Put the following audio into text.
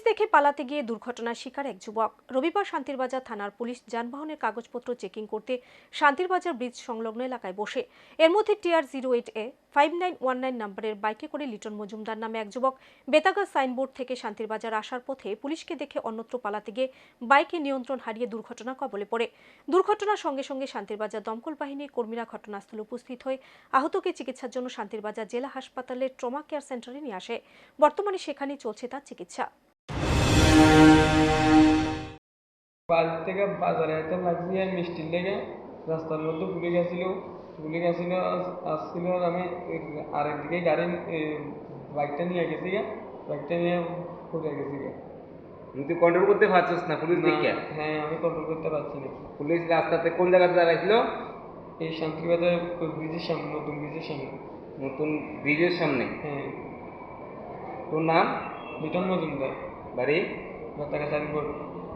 দেখে পালাতে গিয়ে দুর্ঘটনার শিকার এক যুবক। রবিবার শান্তিরবাজার থানার পুলিশ যানবাহনের কাগজপত্র চেকিং করতে শান্তিরবাজার ব্রিজ সংলগ্ন এলাকায় বসে এর মধ্যে TR08A 5919 নম্বরের বাইকে করে লিটন মজুমদার নামে এক যুবক বেতাগা সাইনবোর্ড থেকে শান্তিরবাজার আসার পথে পুলিশকে দেখে অন্যত্র পালাতে গিয়ে বাইকে নিয়ন্ত্রণ হারিয়ে দুর্ঘটনা কবলে পড়ে। দুর্ঘটনার সঙ্গে সঙ্গে শান্তিরবাজার দমকল বাহিনীর কর্মীরা ঘটনাস্থলে উপস্থিত হয়ে আহতকে চিকিৎসার জন্য শান্তিরবাজার জেলা হাসপাতালের ট্রমা কেয়ার সেন্টারে নিয়ে আসে। বর্তমানে সেখানেই চলছে তার চিকিৎসা। বাড়ি থেকে বাজারে যেতে লাগছি আর মিষ্টির লেগে রাস্তার মধ্যে গুলি গেছিল আসছিল। আমি আরেকদিকে গাড়ি বাইকটা নিয়ে গেছি বাইকটা নিয়ে পড়ে গেছি। তুই কন্ট্রোল করতে পারছিস না পুলিশ দেখে? হ্যাঁ, আমি কন্ট্রোল করতে পারছি না। পুলিশ রাস্তাতে কোন জায়গাতে দাঁড়াইছিল? এই শান্তিবাজার ব্রিজের সামনে, নতুন ব্রিজের সামনে। নতুন ব্রিজের সামনে? হ্যাঁ। তোর নাম? লিটন মজুমদার, বাড়ি? বেতাগা সাইনবোর্ড।